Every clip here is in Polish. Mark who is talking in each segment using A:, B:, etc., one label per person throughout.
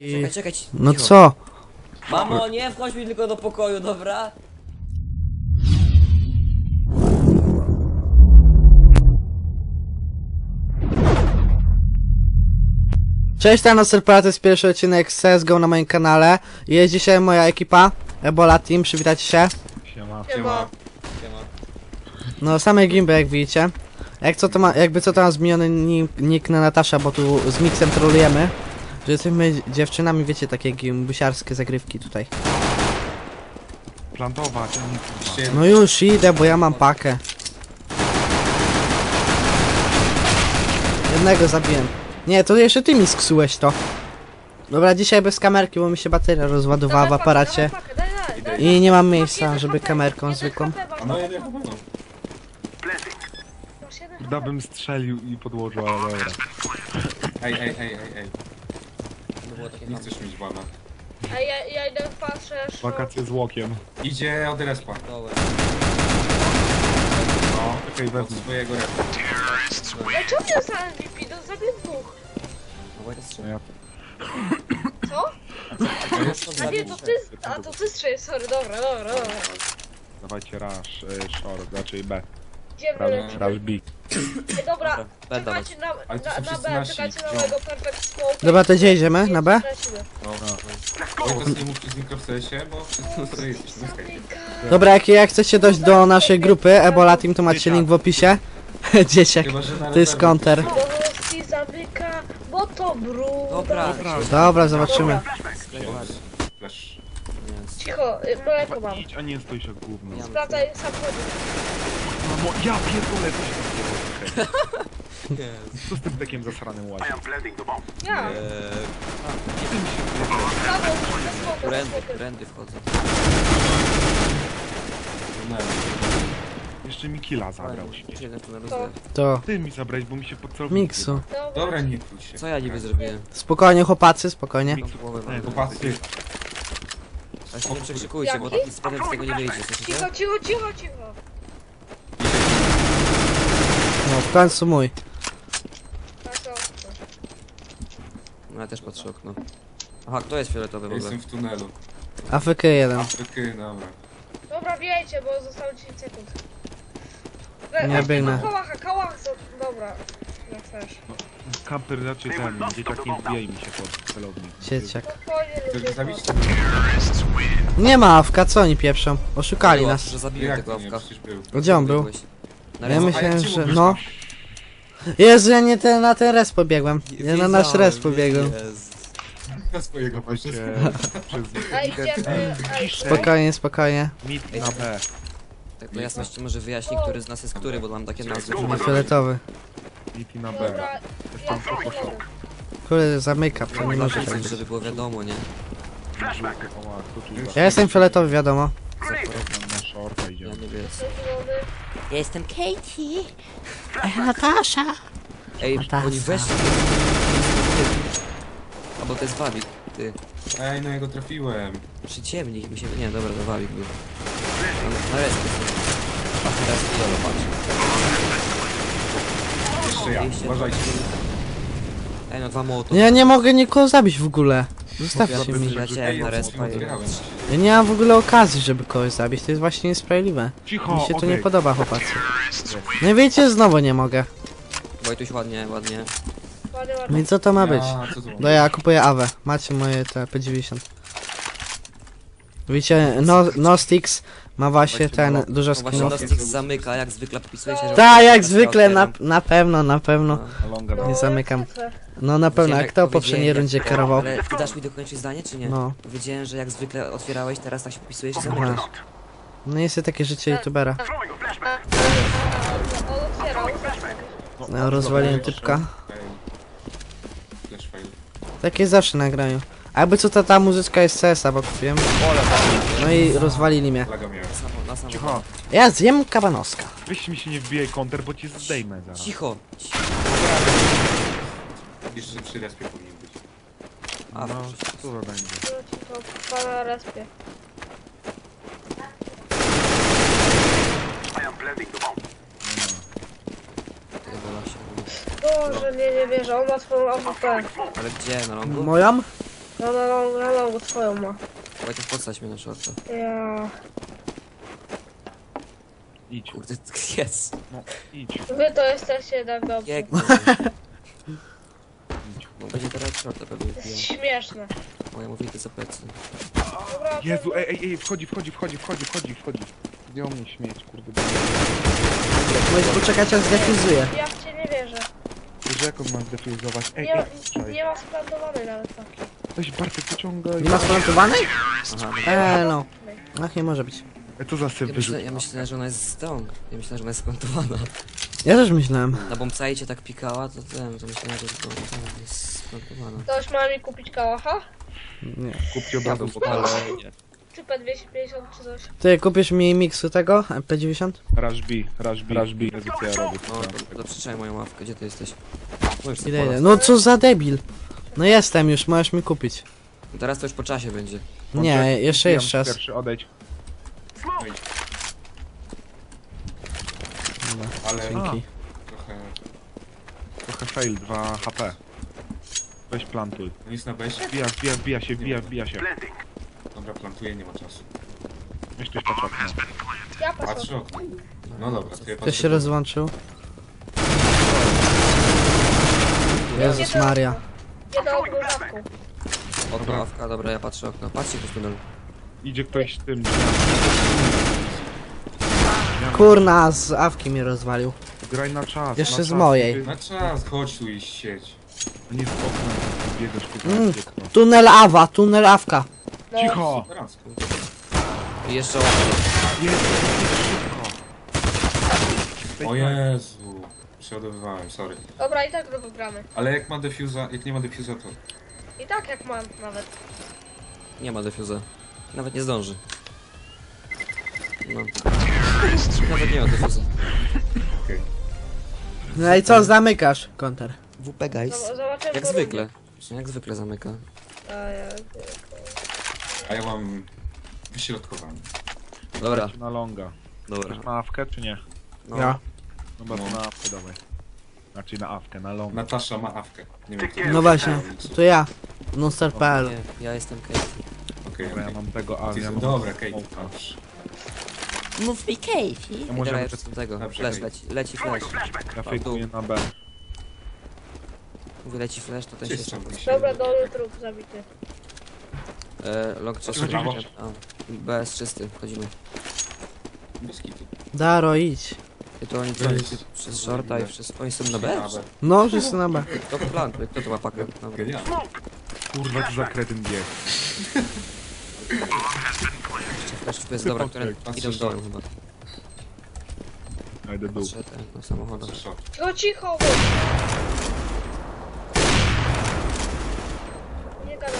A: Czekaj,
B: No
A: cicho.
B: co?
A: Mamo, nie wchodź mi tylko do pokoju, dobra?
B: Cześć, tam to jest pierwszy odcinek z CSGO na moim kanale. Jest dzisiaj moja ekipa, Ebola Team, przywitajcie się.
C: Siema.
B: No, same gimby jak widzicie. Jakby co to ma zmieniony nick na Natasza, bo tu z Mixem trolujemy. Że jesteśmy dziewczynami, wiecie, takie gimbusiarskie zagrywki tutaj.
C: Plantować, a nie kurwa.
B: No już idę, bo ja mam pakę. Jednego zabiłem. Nie, to jeszcze ty mi sksułeś to. Dobra, dzisiaj bez kamerki, bo mi się bateria rozładowała w aparacie. I nie mam miejsca, żeby kamerką zwykłą.
C: No ja nie powiem. Da bym strzelił i podłożył, ale dobra.
D: Ej,
A: To było takie
D: nie chcesz mieć bana.
E: A ja idę patrzę.
C: Wakacje z łokiem.
D: Idzie od respa.
A: dołe.
C: No, czekaj,
D: Od
C: wezmę.
D: swojego respa.
E: Ej, czemu nie dostałem MVP? To zabiję dwóch.
A: No bo to strzał.
C: Ja
E: Co? A nie, to ty. A to ty strzelisz, sorry, dobra.
C: dawajcie rush, short, raczej B.
E: Idziemy
C: Rush
E: lecimy.
C: B.
E: Ej, dobra,
A: B
E: czekajcie
D: Ale to są
E: na
D: wszyscy
E: B,
D: nasi.
E: czekajcie na
D: No.
E: mojego perfect smoke.
B: Dobra, to gdzie idziemy? Na B?
E: Lecimy.
D: Oj, to nie mówcie z mikro w sensie, bo wszyscy jesteśmy na Skype.
B: Dobra, jak chcecie dojść do naszej grupy Ebola Team, to macie link w opisie. Dzieciak,
D: Chyba, że na
B: to jest
D: rezerwie
B: counter.
E: Bo Rosji zamyka, bo to brud.
A: Dobra.
B: Dobra, zobaczymy.
D: Flash.
E: Cicho, mleko mam.
C: Idź, a nie stój się gówno.
A: Ja-
E: Sprawdzaj samochód.
C: Mamo, ja pierdolę, co się tam dzieje? Co z tym tekiem zasranym łazi?
E: Ja. Prawo, ze smokiem.
A: Trendy wchodzą.
C: Jeszcze mi killa zabrał się.
A: Jeden tu na
E: To.
A: rozwój.
B: To
C: Ty mi zabrałeś, bo mi się pod celownik
B: Miksu.
D: Dobra, nie krój się.
A: Co ja niby zrobiłem?
B: Spokojnie, chłopacy, spokojnie.
C: Miksu,
A: Głowę mam.
C: nie,
D: Chłopacy,
A: Ale się nie przekrzykujcie, bo
E: Jaki?
A: z potem z tego nie wyjdzie, słyszycie?
E: Cicho.
B: No, w końcu mój.
E: Tak, to.
A: No ja też patrzę okno. Aha, kto jest fioletowy w
D: ja
A: ogóle?
D: jestem w tunelu.
B: AFK 1.
D: Afryky, dobra.
E: Dobra, wiecie, bo zostało 10 sekund.
B: Nie biegnę.
E: Kałach, dobra. Jak chcesz.
C: Kamper raczej ten, dzieciak nie wbijaj mi się pod celownik.
B: Dzieciak.
E: Spokojnie,
D: Chcesz
E: ludzie.
D: go zabić?
B: Nie ma AFK, co oni pieprzą? Oszukali
A: Było,
B: nas.
A: że zabiłem
D: Jak
A: tego
D: to nie?
A: awka.
D: Przecież był.
B: Gdzie on był?
A: Na
B: Ja
A: razie-
B: myślałem,
D: jak ci
B: że...
D: mówisz,
B: No. Jezu, ja nie na ten res pobiegłem. Ja na nasz res pobiegłem.
D: Na swojego właśnie.
C: Przez
E: A idziemy.
B: Spokojnie.
C: mid na B.
A: Tak dla jasności może wyjaśnię, który z nas jest który, bo mam takie nazwy.
B: Fioletowy.
C: Mid i na B.
E: Dobra, ja
C: Jestem poszło.
B: Kurde, zamyka, to nie może tak być.
A: Żeby było wiadomo, nie?
B: Ja jestem fioletowy, wiadomo.
C: Na shorta
A: Ja
C: idziemy.
A: nie wiem.
E: zielony.
A: Ja jestem Katie. Natasza. Ej,
B: Natasza.
A: oni weszli. Albo to jest Wawik, ty.
D: Ej, no ja go trafiłem.
A: Przyciemnik mi się... Nie, dobra, to Wawik był. Na respie są. A teraz Jolo, patrz.
D: Jeszcze ja,
A: Wyjście,
D: uważajcie.
A: Ej, no dwa mołotowy.
B: Ja nie mogę nikogo zabić w ogóle. Zostawcie
A: Ja
B: mi.
A: wyleciałem na
D: ja
A: respa i...
D: otwierałem.
B: Ja nie mam w ogóle okazji, żeby kogoś zabić. To jest właśnie niesprawiedliwe.
C: Cicho,
B: Mi się to
C: okej.
B: nie podoba, chłopacy. No wiecie, znowu nie mogę.
A: Wojtuś ładnie.
E: Ładnie.
B: No i co to ma być?
D: Ja, co to
B: No ja kupuję AWE. Macie moje te P90. Widzicie, Nostix ma właśnie ten dużo
A: No właśnie
B: skinów.
A: Nostix zamyka, jak zwykle podpisuje się, że...
B: Tak, jak
A: teraz
B: zwykle,
A: otwieram.
B: na pewno.
C: Longa
B: Nie zamykam. No na pewno, jak kto w poprzedniej rundzie kierował?
A: Ale ty dasz mi dokończyć zdanie, czy nie?
B: No.
A: Powiedziałem, że jak zwykle otwierałeś, teraz tak się podpisujesz i
B: Aha.
A: zamykasz.
B: No jest takie życie youtubera.
E: On otwierał.
B: No, rozwaliłem typka.
D: Ej. Flash fail.
B: Takie zawsze nagrają. A jakby co ta muzyczka jest CS-a, bo kupiłem. No i rozwalili mnie.
D: Laga miałem.
A: Na samo.
C: Cicho,
B: Ja zjem kabanoska.
C: weź mi się nie wbijaj counter, bo ci zdejmę zaraz.
A: Cicho.
D: Jeszcze przy respie powinien być.
A: A,
C: No, co to będzie?
E: Pana respie. Boże, nie wierzę, on ma swoją AWP.
A: ale gdzie? Na longu?
B: Moją?
E: No, twoją ma.
A: Wojtek, podstać mnie na shorta.
E: Ja...
C: Idź,
A: Kurde, jest.
C: no idź,
E: Wy to jesteście tak dobrzy.
A: Pięknie.
C: idź.
A: Bo będzie teraz shorta pewnie
E: To jest
A: wbija.
E: śmieszne.
A: Moja mówi to za plecy.
E: Dobra,
C: Jezu, ej, wchodzi. Zdjął mnie śmieć, kurde.
B: Możesz poczekać, aż zdefuzuje.
E: ja w cię nie wierzę.
C: Wiesz, jak on ma zdefuzować? Ej,
E: Nie ma splantowanej nawet takiej.
C: weź Bartek, wyciągaj.
B: Nie ma splantowanej?
A: Aha,
B: No. Ach, nie może być.
C: Co za syf wyrzucił?
A: ja myślałem, że ona jest stąd. Ja myślałem, że ona jest splantowana.
B: Ja też myślałem.
A: Na bombsite cię tak pikała, to myślałem, że to jest splantowana.
E: Ktoś ma mi kupić kałacha?
B: Nie.
C: Kupcie od razu,
A: Ale nie.
E: Czy P250 czy coś?
B: Ty kupisz mi miksu tego? MP90?
C: Rush B. Jezu, co ja robię?
A: No, to przyczaj moją ławkę, gdzie ty jesteś? No już
B: Idę, idę. No co za debil. No jestem już, możesz mi kupić.
A: Teraz to już po czasie będzie.
B: Nie, jeszcze jest czas.
C: Pierwszy, odejdź.
B: Dobra,
D: Ale
B: dzięki.
C: Trochę fail, 2 HP. Weź plantuj.
D: nic na besie.
C: Wbija się.
D: Dobra, plantuję, nie ma czasu.
C: Weź ktoś patrz okno.
E: Ja patrzę.
D: Patrzę okno. No dobra, to ja
B: Ktoś się
D: patrzę.
B: rozłączył. Jezus Maria.
E: Jedę ogólnawką.
A: Okno, awka, dobra, ja patrzę okno. Patrzcie tu w tunelu.
C: Idzie ktoś z tym.
B: Kurna, z awki mnie rozwalił.
C: Graj na czas.
B: Jeszcze
C: na
B: z
C: czas.
B: mojej.
D: Na czas, chodź tu i sieć.
C: Nie z okna biegasz, kurwa.
B: Mm.
C: dziecko.
B: Tunel awka.
E: No.
C: Cicho!
D: Superancko.
A: I jeszcze ławka.
C: Jest, szybko.
D: O Jezu. Przeładowywałem, sorry.
E: Dobra, i tak go wygramy.
D: Ale jak ma defuza, jak nie ma defuza, to...
E: I tak jak mam nawet.
A: Nie ma defuza. Nawet nie zdąży. No. Nawet nie ma defuza.
D: Okej.
B: No i co, zamykasz konter.
A: WP guys.
E: Zobaczymy.
A: Jak zwykle. Jak zwykle zamyka.
D: A ja mam... wyśrodkowany.
A: Dobra.
C: Na longa.
A: Dobra.
C: Chcesz na awkę, czy nie?
A: No.
B: Ja.
C: Dobra, to
D: No.
C: na awkę dawaj. Znaczy na awkę, na longa.
D: Natasza ma awkę. Nie wiem, kto
B: No właśnie, to ja. Monster.pl.
A: Nie, ja jestem Kate.
D: Okej,
C: Dobra, ja
D: okej.
C: mam tego, a ja mam...
D: Dobra, Kate.
C: smoka.
D: Dobrze.
A: Mów mi Kate.
C: Ja
A: Dobra,
C: możemy
A: ja
C: przed...
A: jestem tego.
D: Dobrze,
A: Flash
D: Kate.
A: leci flash.
C: Ja fejkuję na B.
A: Mówię leci flash, to ten się
D: Czysto.
A: jeszcze...
E: Dobra, dolny trup zabity.
A: Long
C: Chodź, chodź.
A: BS czysty, wchodzimy.
D: Bez kitu.
B: Daro, idź.
A: I to oni przez shorta i przez... Oni są na B?
B: No, wszyscy na B.
A: To plan, kto to ma pakę? Dobra.
D: Genialnie.
C: Kurwa, co za kretyn bieg.
A: Flash to jest dobra, które
D: Patrzę
A: idą
D: short.
A: dołem chyba.
C: Ja idę dół.
A: Patrzę ten, na samochodach.
D: Short.
E: Cicho! Nie gadaj.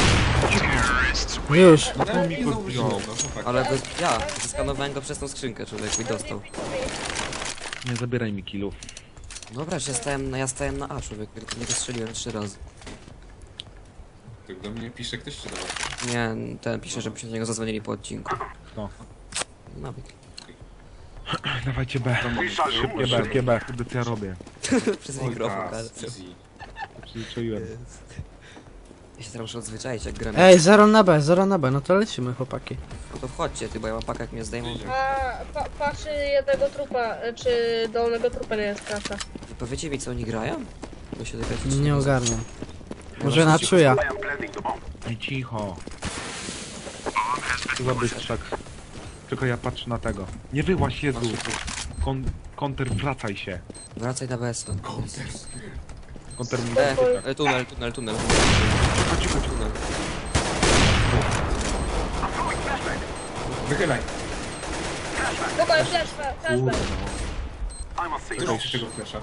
B: Już.
D: No
C: to mi
D: nie
C: go
D: zauważyłem,
C: zdjął.
D: no chłopaki.
A: Ale ja zeskanowałem go przez tą skrzynkę, człowiek mi dostał.
C: Nie zabieraj mi killów.
A: Dobra, że ja stałem na A, człowiek, tylko nie strzeliłem 3 razy.
D: Tak do mnie pisze ktoś czy do was?
A: Nie, ten pisze, żebyśmy do niego zadzwonili po odcinku.
C: No.
A: Nawyk.
C: Dawajcie B. Szybkie B, kurde co ja robię.
A: Przez
D: Oj,
A: mikrofon,
D: tak,
A: karty.
D: easy.
C: Przyzwyczaiłem.
A: Ja się teraz muszę odzwyczaić, jak gramy.
B: Ej, 0 na B, no to lecimy, chłopaki.
A: No to wchodźcie, ty, bo ja mam pakę, jak mnie zdejmą.
E: A patrzy jednego trupa, czy dolnego trupa nie jest klasa.
A: Powiecie mi, co oni grają? Bo się dowiecie,
B: Nie ogarniam. Może na czuja.
C: Ej, cicho. Co za bystrzak. Tylko ja patrzę na tego. Nie wyłaź, Jezu. Konter, wracaj się.
A: Wracaj na BS.
C: Konter mi
A: Tunel.
C: Cicho.
A: Tunel.
D: Wychylaj.
E: Spokojnie, flashback.
D: Wychylaj z tego flesza.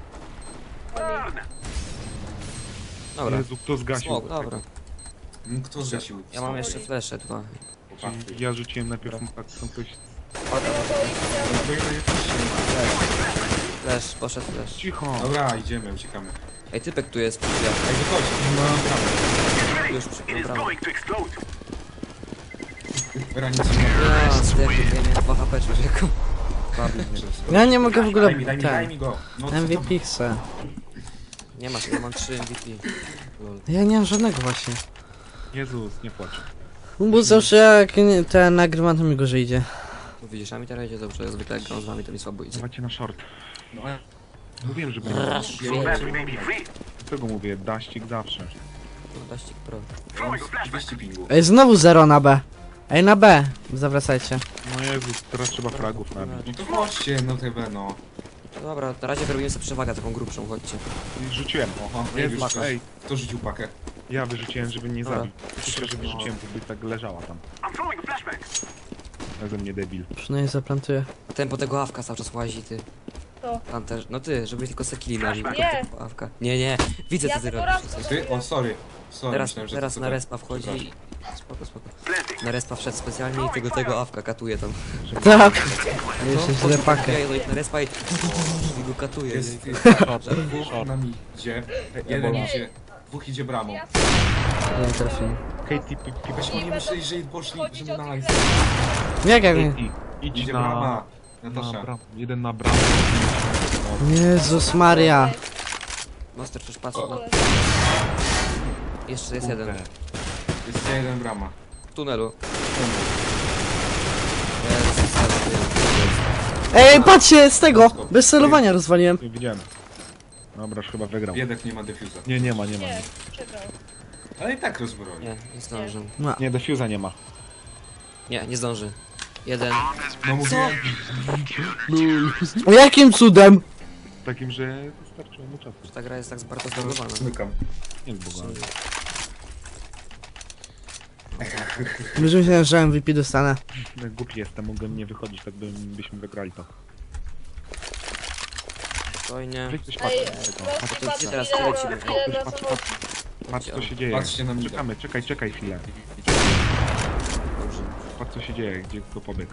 A: Dobra.
C: Jezu, kto zgasił?
A: Smok, dobra.
D: Kto zgasił?
A: Ja mam jeszcze flesze 2.
D: Chłopaki.
C: Ja rzuciłem najpierw tak, są ktoś...
A: Flash, poszedł flash.
C: Cicho.
D: Dobra, idziemy, uciekamy.
A: Ej, typek tu jest, ja.
D: Ej, wychodź.
A: Już przy bramę.
D: Dobra, nic nie ma.
A: Ja, zdechł, ja miałem 2 HP, człowieku.
C: Zabił mnie.
B: Ja nie mogę w ogóle...
D: Daj mi
B: Ten.
D: go. No, co to-
B: MVP chcę.
A: Nie masz, ja mam 3 MVP. Lol.
B: Ja nie mam żadnego właśnie.
C: Jezus, nie płacz.
B: Bo zawsze jak ten nagrywam, to mi gorzej idzie.
A: No widzisz, a mi teraz idzie dobrze, ja zwykle jak gram z wami, to mi słabo idzie.
C: Dawajcie na short.
D: No,
C: Mówiłem, że będzie. Dlatego mówię, daścik zawsze.
A: No, Daścik pro.
D: ja mam 200 pingu.
B: Ej, znowu 0 na B. Ej, na B. Zawracajcie.
C: No Jezus, teraz trzeba fragów nabić.
D: No to chodźcie, no TV, no.
A: No dobra, na razie wyrobimy sobie przewagę taką grubszą, chodźcie.
C: I rzuciłem.
D: Oho,
C: Jest
D: już
C: mak,
D: ktoś-
C: ej.
D: Kto rzucił pakę?
C: Ja wyrzuciłem, żeby nie
A: Dobra.
C: zabić. Myślę, że wyrzuciłem, to by tak leżała tam. Ja ze mnie debil.
B: Przynajmniej zaplantuję.
A: A ten po tego awka cały czas łazi, ty.
E: To.
A: Pan też, no ty, żeby tylko sekili na nim.
E: Nie.
A: tylko awka. Nie, widzę
E: Ja
A: co ty
E: tylko
A: robisz.
E: raz
A: Coś.
D: Ty? O, sorry. Sorry,
A: Teraz,
D: myślałem, że
A: teraz
D: to
A: na
D: tak.
A: respa wchodzi i... Spoko. Na respa wszedł specjalnie i tego awka katuje tam.
B: Tak.
A: No,
B: Jeszcze źle
A: wchodzi
B: pakę.
A: ja jedę na respa i go katuje.
D: Jest
A: nie?
D: dwóch na midzie. Jeden
E: Nie.
D: idzie. Dwóch idzie bramą.
E: Ja
B: Nie trafiłem.
C: Katie,
D: Weź oni myśleli, że poszli,
E: chodzić
D: żeby
E: o
D: na
E: tych
D: live.
B: Jak jak nie?
C: Katie, idź
D: Idzie
C: na...
D: brama.
C: na
D: Natasza.
C: bram, jeden na bramę.
B: Jezus Maria.
A: Monster przecież patrzy, no. Jeszcze jest jeden.
D: Jest jeden brama.
A: W tunelu. Jest.
B: Ej, patrzcie, z tego! Bez celowania rozwaliłem.
C: Nie widziałem. Dobra, już chyba wygrał.
D: Biedek nie ma defuza.
C: Nie ma.
E: nie, przegrał.
D: Ale i tak rozbroi.
A: Nie zdąży.
C: Nie, defuza nie ma.
A: Nie zdąży. Jeden.
D: No mówiłem.
B: O jakim cudem?
C: Takim, że wystarczyło mu czasu.
A: Ta gra jest tak bardzo zbugowana.
D: Zmykam.
C: Nie jest bogany.
B: Już myślałem, że MVP dostanę.
C: No, głupi jestem, mogłem nie wychodzić, tak byśmy wygrali to.
A: Spokojnie.
C: Weź coś
E: Ej,
C: patrz,
E: Rosji, patrz
A: teraz
E: ile
A: leci,
E: na
C: patrz,
E: samochód.
C: patrz co się dzieje.
D: Patrzcie na mnie.
C: Czekamy, czekaj chwilę.
A: Dobrze.
C: Patrz co się dzieje, gdzie kto pobiegł.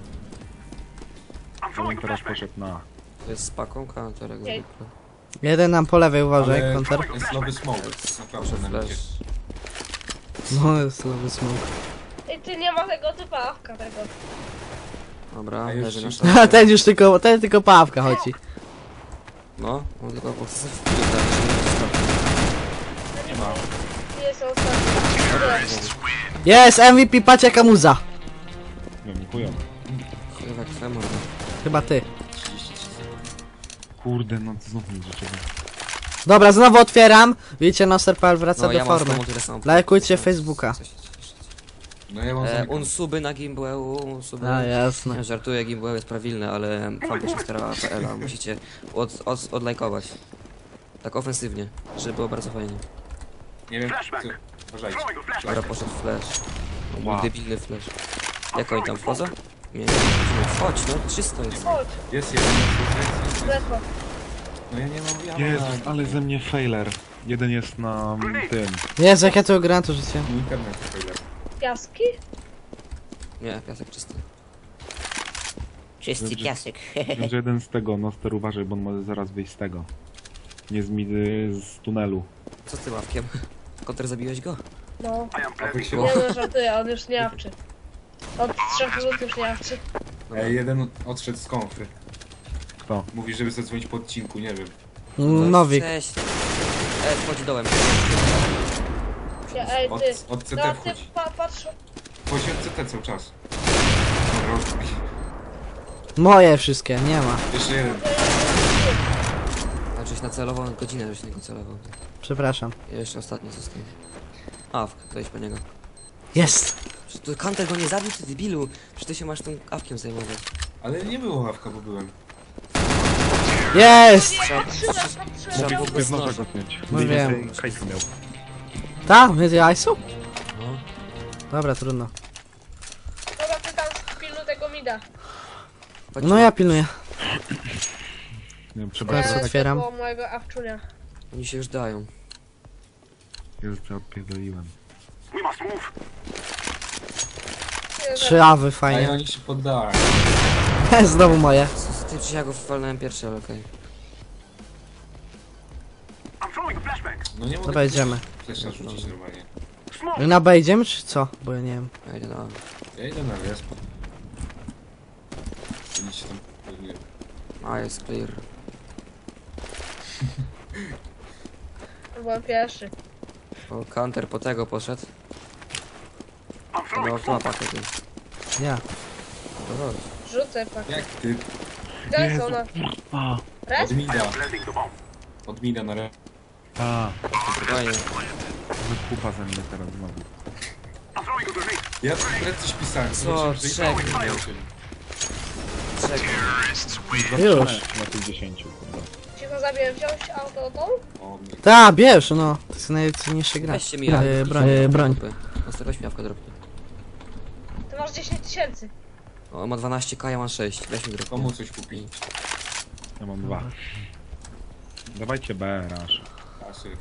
C: On teraz poszedł na...
A: To jest z paką, counter jak
E: Okej.
A: zwykle.
B: Jeden nam po lewej, uważaj,
D: Ale
B: konter.
D: jest nowy smoke. Naprawdę na midzie.
A: Flash.
B: No, jest nowy smoke.
E: Ej, ty nie ma tego typa awka tego.
A: Dobra,
D: A już
A: leży na
D: się-
A: szafie.
B: A ten już tylko, ten tylko paławka chodzi.
A: No, on tylko po prostu w piłkę, żeby nie dostał.
D: Nie ma.
E: Nie jest ostatni.
B: Jest, MVP, patrz jaka muza.
C: Nie wiem, chujowo.
A: Chyba kwemo.
B: Chyba ty.
D: 33 sekund.
C: Kurde, no znów nic życzę.
B: Dobra, znowu otwieram. Widzicie, Noster.pl wraca
A: No,
B: do
A: ja mam
B: formy.
A: znowu tyle samo.
B: Lajkujcie Facebooka.
D: No ja mam zamykam.
A: Unsuby na Gimbłeu, unsuby.
B: A, jasne.
A: Nie, żartuję, Gimbłeu jest prawilny, ale fanpage.pl musicie odlajkować. Tak ofensywnie, żeby było bardzo fajnie.
D: Nie wiem, co... Uważajcie.
A: Dobra, poszedł flash. Mój
C: Wow.
A: debilny flash. Jak oni tam wchodzą? Nie, chodź, no 300 jest.
E: Chodź,
D: Jest jeden. Jest.
E: ledwo.
D: No ja nie mam... Ja
C: Jezus,
D: mam...
C: ale ze mnie failer. Jeden jest na tym.
B: Jezu, jak ja to gram, to życie.
D: Internet failer.
E: Piaski?
A: Nie, piasek czysty.
C: Czysty piasek. Że jeden z tego, Noster uważaj, bo on może zaraz wyjść z tego. Nie z tunelu.
A: Co z tym ławkiem? Koter, zabiłeś go?
E: No.
D: A wy się...
E: Nie no, żartuję, on już nie awczy. Od 3 minut już nie awczy.
D: Ej, jeden odszedł z konfy.
C: Kto?
D: Mówi, żeby zadzwonić po odcinku, nie wiem.
B: Nowik.
A: Cześć. Wchodzi dołem.
E: Ja, ej, ty.
D: Od CT
E: No, ty
D: wchodzi.
E: patrz.
D: Wchodzi od CT cały czas. Dobra, rozbij.
B: Moje wszystkie, nie ma.
D: Jeszcze jeden.
A: A żeś nacelował godzinę, żeś niego celował.
B: Przepraszam.
A: I jeszcze ostatni został. Awk, to idź po niego.
B: Jest!
A: Przecież to Kanter go nie zabił, ty debilu. Przecież ty się masz tym awkiem zajmować.
D: Ale nie było ławka, bo byłem.
B: Jest!
A: Trzeba było
C: Mogę
A: bez
C: znowu
A: noża.
C: go mieć.
B: No wiem.
C: Hajsu miał.
B: Ta? Więcej ISU?
A: No.
B: Dobra, trudno.
E: Dobra, ty tam pilnuj tego mida.
A: Chodź,
B: No ja pilnuję.
C: Nie wiem, trzeba
B: Teraz
C: teraz...
B: otwieram.
E: Było mojego awczunia.
A: Oni się już dają.
C: Jezus, co odpierdoliłem.
B: Trzy awy,
D: A i
B: fajnie.
D: oni się poddali.
B: Znowu moje.
A: Ty czy ja go walnąłem pierwszy, ale okej.
D: No nie mogę...
B: Dobra, idziemy.
D: Flesza rzucić normalnie.
B: Na B idziemy, czy co? Bo ja nie wiem.
A: Ja idę na...
D: Ja idę na resp. Idźcie tam... pewnie.
A: A, jest clear.
E: Byłem pierwszy.
A: O, Kanter po tego poszedł. No, kto ma pakę, ty?
B: Ja.
A: No chodź.
E: Rzucę pak.
D: Jak ty?
E: Gdzie jest ona?
C: A,
E: Res?
D: Od mida. Od mida na re...
A: Spokojnie.
C: wykupa ze mnie teraz znowu.
D: Ja przed coś pisałem.
A: Co?
D: zobaczyłem, że i
A: Trzech.
D: tak nie nauczyli.
A: Czekaj.
B: Już.
C: Na tych 10, kurde.
E: Cicho zabiję, wziąć auto tą?
D: O, nie.
B: Ta, bierz, no. To jest najcenniejsza gra.
A: Weźcie mi
B: Broń.
A: Weź mi jawkę dropnie.
E: Ty masz 10 tysięcy.
A: O, ma 12k, ja mam 6. Weź mi dropnie.
D: Komu coś kupić?
C: Ja mam 2. Dawajcie B, rasz.
D: Asy.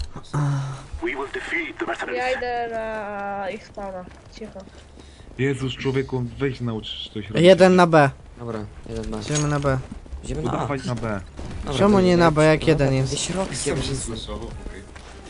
E: Ja idę na ich spawna. Cicho.
C: Jezus, człowieku, weź nauczysz coś robić.
B: 1 na B.
A: Dobra, jeden masz.
B: Idziemy na B.
A: Idziemy na A.
C: Udawać na B.
A: Dobra,
B: Czemu
A: to
B: nie na B, jak
A: dobra,
B: jeden jest?
A: Gdzieś środkiem.
D: Sam się słyszało, okej.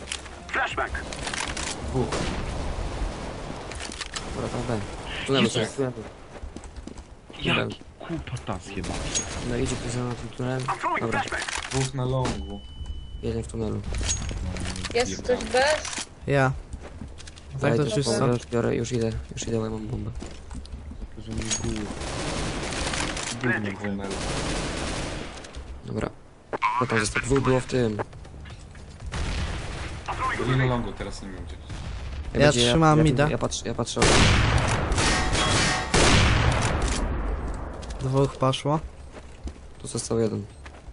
A: Dobra, tam B. Tunelu
D: Idzie.
A: jest. Tunelu.
C: Jak kupa tas jedna.
A: No idzie ktoś za tym tunelem. Dobra,
D: Dwóch na longu.
A: jeden w tunelu.
E: Jest ktoś bez?
B: Ja. Tak to
A: Dajcie
B: wszyscy.
A: bombę, już biorę, już idę, bo ja mam bombę.
C: Że mi gówno.
D: Gówno tunel.
A: Dobra. Co tam zostało? Dwóch było w tym.
D: Byli na longu, teraz nie wiem gdzie.
B: Ja
A: będzie-
B: trzymam mida.
A: Ja patrzę.
B: Dwóch poszło.
A: Tu został jeden.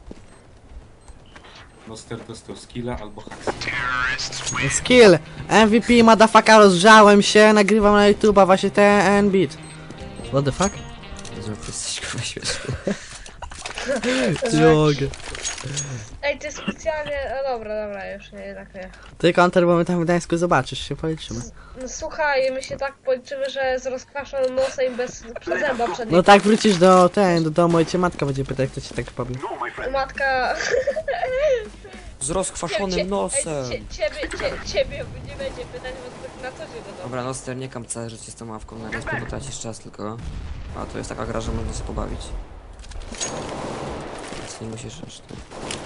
D: Noster dostał skilla albo hacks.
B: Skill! MVP, motherfucker, rozgrzałem się, nagrywam na YouTube'a właśnie ten beat. What the fuck?
A: Jezu, jak ty jesteś kurwa śmieszny.
B: Jogę.
E: Ej, ty specjalnie... No dobra, już nie, jednak nie.
B: Ty, Counter, bo my tam w Gdańsku zobaczysz, się policzymy.
E: No słuchaj, my się tak policzymy, że z rozkwaszonym nosem i bez przezęba przedniego.
B: No tak wrócisz do domu i cię matka będzie pytać, kto ci tak pobił.
E: Matka...
A: Z rozkwaszonym nosem.
E: Ciebie nie będzie pytać, bo to na co się dodał.
A: Dobra, Noster, nie kam całe życie z tą ławką na respie, bo tracisz czas tylko. A to jest taka gra, że można się pobawić. Więc nie musisz aż tak.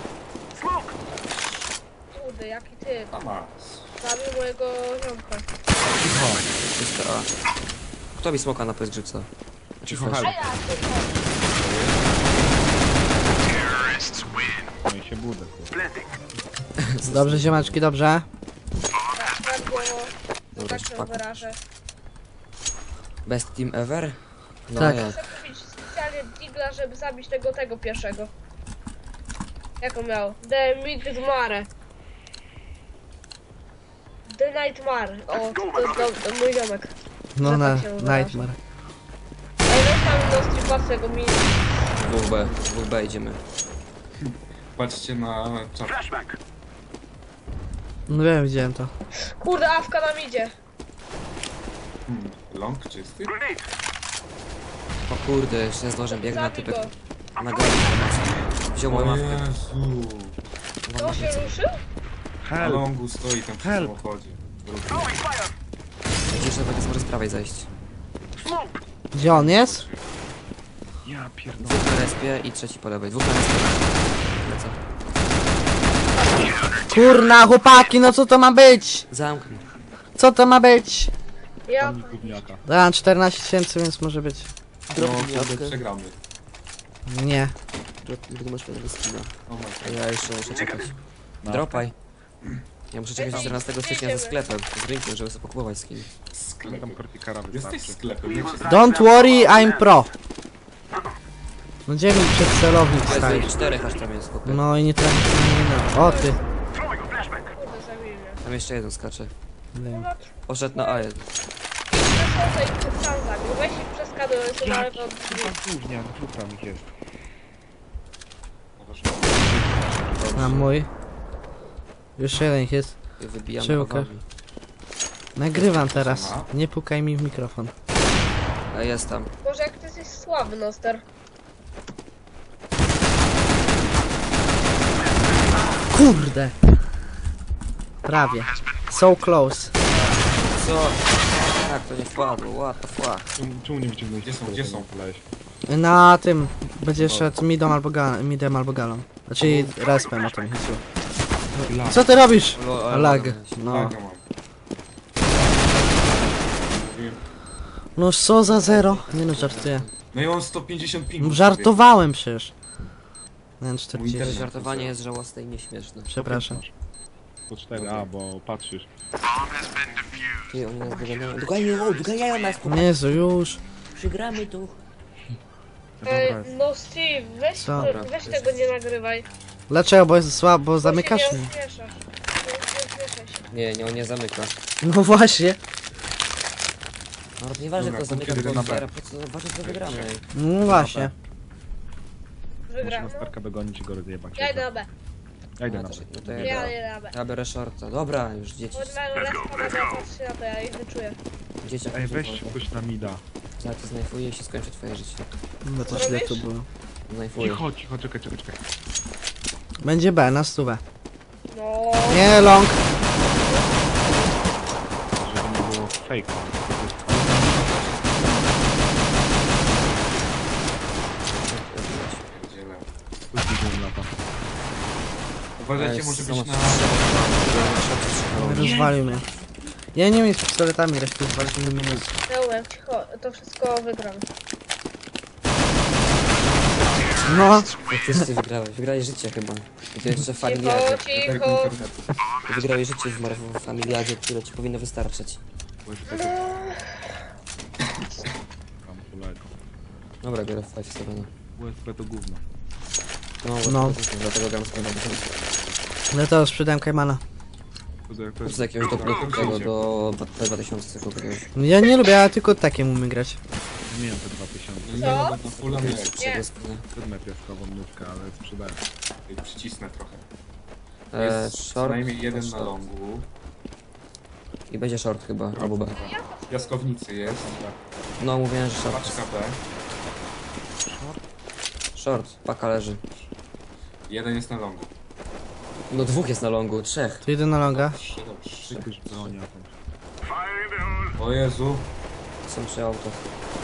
E: Kurde, jaki ty.
D: A ma.
E: Zabił mojego ziomka.
A: Czyste A. Kto mi smoka na pysgrzyca?
C: Cicho,
A: Flash.
E: A
C: hal.
E: ja tylko.
C: No i się budę. kurde.
B: Dobrze, ziemaczki, dobrze.
E: Tak było.
A: Dobra,
E: Tak
A: jeszcze
E: się
A: paku.
E: wyrażę.
A: Best team ever? No
B: Tak.
A: jak?
E: Chcę kupić specjalnie digla, żeby zabić tego pierwszego. Jak on miał? The Nightmare. The Nightmare. O, to jest mój ziomek.
B: No
E: Że
B: na
E: tak się wyraża.
B: Nightmare.
E: Ej, weź tam do stripasego mi...
A: Dwóch B idziemy.
D: Patrzcie na czat.
B: No wiem, widziałem to.
E: Kurde, awka nam idzie.
D: Long czysty?
A: O kurde, jeszcze nie zdążę, biegnę na
E: Zabij
A: typek.
E: go.
A: Na górę. Wziął moją
D: O
A: mawkę.
D: Jezu.
E: To się ruszył?
D: Na
C: Help!
D: longu stoi tam przy
C: Help.
D: samochodzie.
A: Widzisz, że będzie może z prawej zejść.
B: Gdzie on jest?
C: Ja pierdolę.
A: Dwóch na respie i trzeci po lewej. Dwóch na respie. Lecę.
B: Kurna, chłopaki, no co to ma być?
A: Zamknij.
B: Co to ma być?
E: Ja...
C: Tam gówniaka.
B: Dałem 14 tysięcy, więc może być.
D: No
A: Drobny
D: kurde,
A: jabłkę.
D: przegramy.
B: Nie.
A: Drop, masz pewnego skina.
D: O my
A: A
D: god.
A: ja jeszcze muszę czekać.
C: No.
A: Dropaj. Ja muszę czekać do
E: Ej,
A: 14 stycznia
E: idziemy.
A: ze sklepem, z rynkiem, żeby sobie pokupować skin.
C: Tam
D: Sklep.
C: kortikara
D: Jesteś w
C: wystarczy.
D: sklepie, nie się
B: Don't worry, I'm pro. No gdzie mi przed celownik stoi?
A: Jest 4 aż tam jest, chłopie.
B: No i nie trafi nie no. O ty.
E: Kurde, zabili mnie.
A: Tam jeszcze jeden skacze.
B: Wiem.
A: Poszedł na A1.
E: Przeszło i sam zabił. Weź i przeskaduj, to na lewo od drzwi.
C: Gówniak, dwóch tam ich jest.
B: A mój. Już jeden ich jest.
A: Wybijam
B: Czyłkę.
A: bawami.
B: Nagrywam teraz. Nie pukaj mi w mikrofon.
A: A jest tam.
E: Boże, jak ty jesteś słaby, Noster.
B: Kurde. Prawie. So close.
A: Co? Tak, to nie wpadło, what the fuck.
C: Czemu nie wyciągnąłeś?
D: Gdzie są, gdzie są?
B: Na tym będzie szedł midem albo galą. Znaczy respem o to mi chodziło. Co ty robisz?
A: Lo-
B: Lag.
A: ale-
B: No.
D: Laga mam. Mówiłem.
B: No co za zero? Nie no, żartuję.
D: No i mam 150 pingów.
B: Żartowałem przecież. Nie,
D: Mój
B: 40.
D: internet.
A: Żartowanie jest żałosne i nieśmieszne.
B: Przepraszam.
C: Po 4, a bo patrzysz.
A: Ty, oni nas doganiają. Doganiają nas,
B: Jezu, już.
A: przegramy tu.
E: No Steve,
B: Co?
E: weź tego nie nagrywaj.
B: Dlaczego? Bo jest słabo, bo
E: Bo
B: zamykasz
E: się
B: mnie.
E: nie ośmieszasz. Nie ośmieszaj się.
A: Nie, on nie zamyka.
B: No właśnie.
A: No nieważne
D: Dobra,
A: kto zamyka,
D: punkty
A: to
D: na
A: otwiera, po co ważne co wygramy. ej.
B: No właśnie.
E: Wygram.
C: Można Starka dogonić i go rozjebać.
E: Ja idę na B.
C: Ja idę
A: No
C: na
A: to,
C: B.
A: no to
E: Ja
A: ja,
E: idę na B.
A: ja biorę shorta. Dobra, już dzieci.
E: Chodź mają lepszą na B, patrzcie na to, ja ich wyczuję.
A: Dzieciak.
C: Ej, weź ktoś na mida.
A: Jak to znajfuje i się skończy twoje życie.
B: No to źle to było.
A: Znajfuje.
C: Cicho, czekaj.
B: Będzie B, na stówę.
E: No.
B: Nie, long.
C: Żeby nie było fejka.
D: Pierdzielę.
C: Później lata.
D: Uważajcie, może być na...
B: Rozwalił mnie. Ja nie wiem z pistoletami, resztę zwalczymy mnie.
E: Ja umiem, cicho, to wszystko wygram.
B: No,
A: Wszyscy wygrałeś. Wygrałeś życie chyba. I to jeszcze w
E: Cicho,
A: familiadzie.
E: cicho.
A: Ty wygrałeś życie w familiadzie, które ci powinno wystarczyć.
C: USB tam kolego.
A: Dobra, biorę 5-7.
C: USB to gówno.
A: No,
B: No.
A: dlatego gram z kolegą.
B: ale to sprzedałem Kajmana.
C: To jest
A: Z jakiegoś tego do P2000 tylko kupiłeś.
B: Ja nie lubię, ja tylko takiem umiem grać.
C: miałem te 2000.
D: Nie mogę na fulla mieć.
E: Nie.
C: Wezmę piaskową nówkę, ale sprzedałem.
D: Przycisnę trochę.
A: Short.
D: Co najmniej jeden na longu.
A: I będzie short chyba, albo B.
D: Piaskownicy jest.
A: No, mówiłem, że short.
D: Paczka B.
A: Short, paka leży.
D: Jeden jest na longu.
A: No dwóch jest na longu, trzech.
B: Tu idę na longa.
D: Trzy.
C: Już broni jakąś.
D: O Jezu.
A: Są przy autach.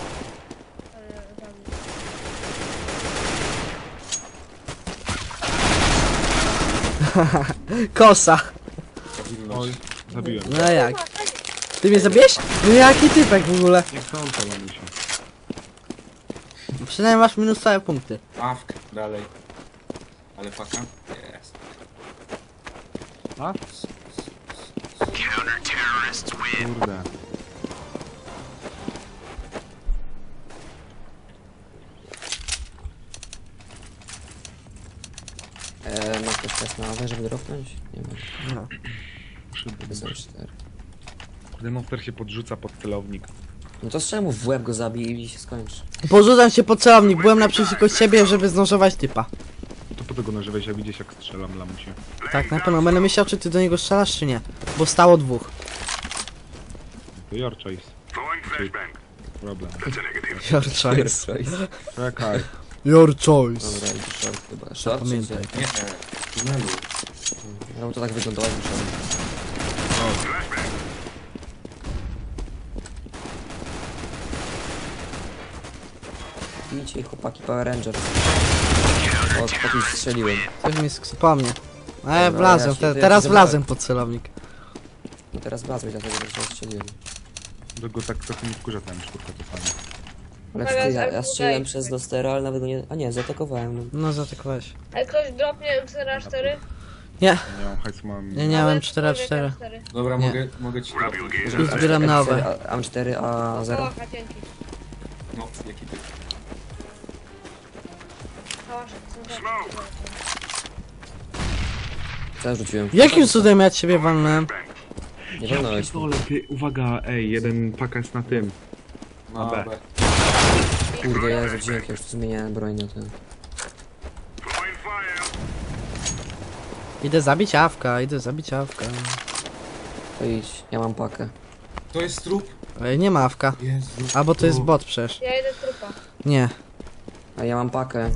B: Kosa.
D: Stabilność.
C: Oj, zabiłem.
B: No jak? Ty mnie zabiłeś? No jaki typek w ogóle?
C: Nie chcąco, mamusiu.
B: Przynajmniej masz minus całe punkty.
D: Awk. Dalej. Ale paka? Jest.
C: A? Kurde.
A: Ma ktoś czas na awę, żeby dropnąć? Nie ma.
B: No.
A: To są 4.
C: Kurde, monster się podrzuca pod celownik.
A: No to strzel mu w łeb, go zabij i się skończy.
B: Porzucam się pod celownik, byłem naprzeciwko ciebie, żeby zdążować typa.
C: To po tego nażywaj się, widzisz jak strzelam lamusie.
B: Tak, na pewno. Będę myślał, czy ty do niego strzelasz, czy nie. Bo stało dwóch.
C: To your choice. Problem.
B: Your choice.
C: Czekaj.
B: Your choice.
A: Dobra, idzie short chyba. Short czy
B: Pamiętaj.
A: gdzie?
D: Nie. Tunelu.
A: No to tak wyglądało, jak musiałem. Bijcie chłopaki Power Rangers. O, po kimś strzeliłem.
B: Coś mi po mnie. A ja
A: Dobra,
B: wlazłem,
A: ja się- to ja
B: teraz
A: się
B: wlazłem pod celownik.
A: No teraz wlazłeś, dlatego że się strzeliłem.
C: Tego tak trochę nie wkurza ten sztuka czasami.
A: Ale
E: Teraz
A: ty, ja
E: jak
A: strzeliłem
E: tutaj.
A: przez Dostera, ale nawet go nie... A nie, zaatakowałem. No.
B: No zaatakowałeś.
E: Ale ktoś dropnie M4A4?
B: Nie,
C: Ja nie mam hajsu, mam...
B: ja nie miałem 4-4.
D: Dobra,
B: Nie.
D: mogę ci dropnąć.
B: I zbieram nowe.
A: AM4, A0.
E: O, dzięki.
D: No, jaki ty?
E: Kałasze, to są
A: Co ja rzuciłem?
B: Jakim cudem ja ciebie walnąłem?
A: Nie wolnałeś.
C: pierdolę, ty, uwaga, ej, jeden paka jest na tym.
D: No,
C: B.
D: B.
A: Kurde, ja rzuciłem, jak już tu zmieniałem broń na ten.
B: Idę zabić awka, idę zabić awka.
A: To idź, ja mam pakę.
D: To jest trup.
B: Ej, nie ma awka.
D: Jezu.
B: Albo to jest bot przecież.
E: Ja idę trupa.
B: Nie.
A: A ja mam pakę.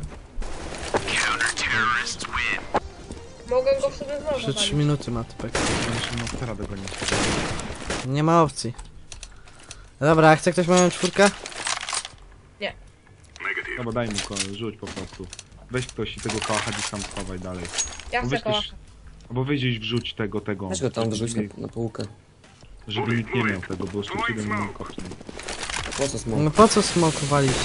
E: Mogę go w sobie znowu
B: Jeszcze 3
E: walić.
B: minuty ma typek.
C: Muszę monstera dogonić.
B: Nie ma opcji. Dobra, a chce ktoś moją czwórkę?
C: No bo daj mu rzuć po prostu. Weź ktoś i tego kałacha gdzieś tam schowaj dalej.
E: Ja
C: Bo
E: chcę
C: weź ktoś...
E: kałacha.
C: Albo weź gdzieś wrzuć tego.
A: Weź go tam
C: żeby
A: wyrzuć
C: nikt-
A: na półkę.
C: Żeby nikt nie miał tego, bo jeszcze 7 minut kopnie.
A: Po co smok?
B: No po co smokowaliście?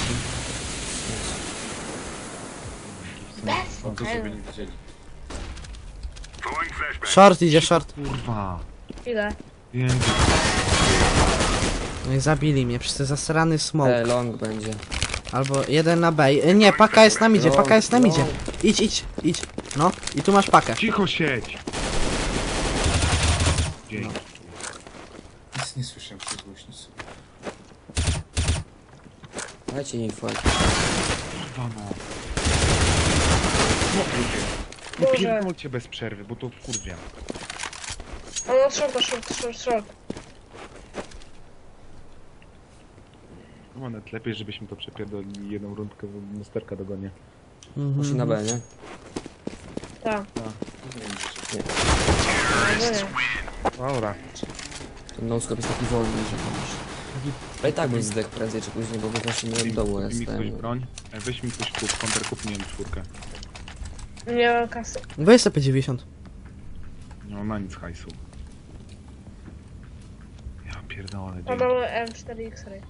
E: Bez
D: No to żeby nie widzieli.
B: Short idzie, short.
C: Kurwa.
E: Ile?
C: Wiem,
B: No i zabili mnie przez ten zasrany smoke.
A: Long będzie.
B: Albo jeden na B. Nie, paka jest na midzie, paka jest na midzie. Idź. No, i tu masz pakę.
C: cicho siedź! Dzięki.
D: Nic nie słyszę przez głośnicę.
A: Dajcie info.
C: Kurwa no. No
E: Boże.
C: pierdolcie bez przerwy, bo to wkurwia.
E: No, short.
C: No nawet lepiej, żebyśmy to przepierdolili jedną rundkę, bo monsterka dogonię.
A: Musi na B, nie?
E: Tak.
A: Nie.
E: No nie.
C: Dobra.
A: Ten no-scope jest taki wolny, że możesz. Ale i tak bym zdech prędzej czy później, bo właśnie nie od dołu
C: Kupi mi ktoś
A: jestem.
C: broń? Weź mi ktoś kup, konter kup, nie wiem, 4.
E: Nie mam kasy.
B: Weź sobie 50.
C: Nie mam na nic hajsu. Ja pierdolę,
E: A
C: dzięki.
E: mamy M4X-ray.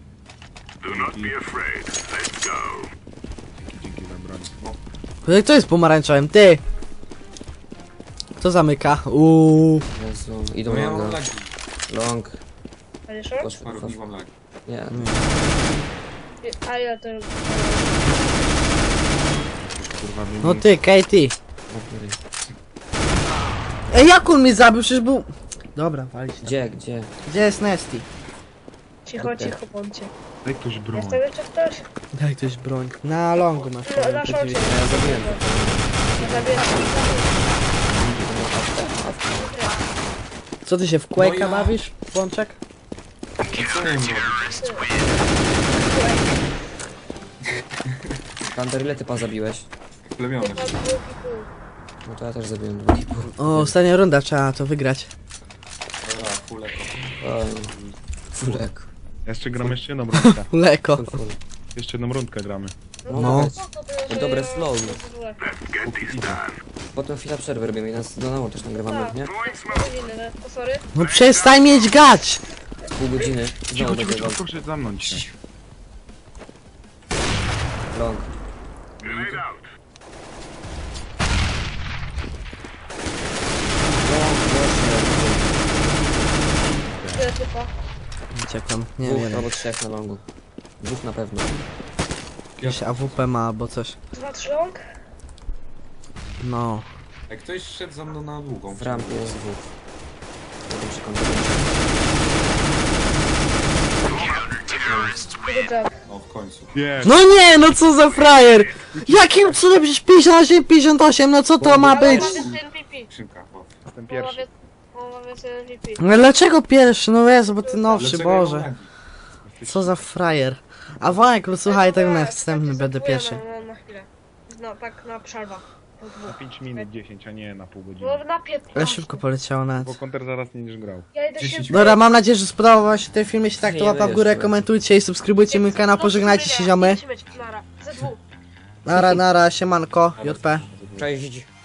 C: Dzięki za broń.
B: Kto jest pomarańczowym? Ty! Kto zamyka?
A: Jezu, idą
D: No ja mam
A: longa.
D: lagi.
A: Long.
E: A nie short?
A: Poszło.
D: Parownik mam lagi.
A: Nie.
E: A ja to...
C: Kurwa, mnie
B: No
C: nie-
B: ty, Katie. Ej, jak on mnie zabił? Przecież był... Dobra, walić.
A: Gdzie?
B: Gdzie jest Nesty?
E: Cicho, bądźcie.
C: Daj ktoś broń.
E: Jest tam jeszcze ktoś?
B: Daj ktoś broń. Na longu masz.
E: No, na szorcie.
A: Ja zabiłem.
E: Zabiłem.
B: Co ty się w
D: No
B: Quake'a
D: ja-
B: bawisz, Bączek?
D: Co ja im robić?
A: Thunder, ile ty pan zabiłeś?
D: Plemiony.
A: No to ja też zabiłem 2,5.
B: O, ostatnia runda, trzeba to wygrać.
D: Dobra, full echo.
A: Oj. Fulek.
C: Jeszcze gramy jeszcze jedną rundkę.
B: Leko.
A: Full.
C: Jeszcze jedną rundkę gramy.
B: No.
A: Dobre flow.
C: Póki idzie.
A: Potem chwila przerwy robimy i nas do nowo też nagrywamy,
E: Tak.
A: nie?
E: O, sorry.
B: No przestań mieć gać!
A: Pół godziny.
C: Cicho,
A: Znowu
C: cicho,
A: będzie
C: cicho,
A: long.
C: proszę zamknąć się.
A: Long.
E: Tyle typa.
B: Uciekam, nie
A: Dwóch
B: wiem.
A: albo trzech na longu. Dwóch na pewno.
B: Jakiś AWP ma albo coś.
E: 2-3 long?
B: No.
D: Jak ktoś szedł za mną na długą.
A: W rampie jest dwóch. Potem się kończy.
E: Good job.
D: No w końcu.
C: Nie,
B: No nie, no co za frajer! Jakim cudem przecież 58, 58, no co to ma być?
E: Połowa więcej MVP.
D: Skrzynka, bo.
C: jestem
E: Połowa
C: pierwszy.
E: połowa więcej MVP.
B: No dlaczego pierwszy? No Jezu, bo ty nowszy,
D: Dlaczego ja mam
B: Boże.
D: lagi?
B: Co za frajer. A Wojek, słuchaj, tak następny
E: Tak,
B: będę
E: tak,
B: pierwszy.
E: na chwilę. No tak, na przerwa. Po
C: Na
E: dwóch.
C: 5 minut 10, a nie na pół godziny.
E: No na 15.
B: Ale szybko poleciało
C: Bo
B: nawet.
C: konter zaraz nie będziesz grał.
E: Ja idę się...
D: 10
B: Dobra, mam nadzieję, że spodobał wam się ten film. Jeśli tak, to
A: Nie,
B: łapa w górę,
A: jeszcze.
B: komentujcie i subskrybujcie mój kanał. Pożegnajcie się, ziomy.
E: Nara, ze dwóch.
B: Nara, nara, siemanko, JP.
A: Cześć.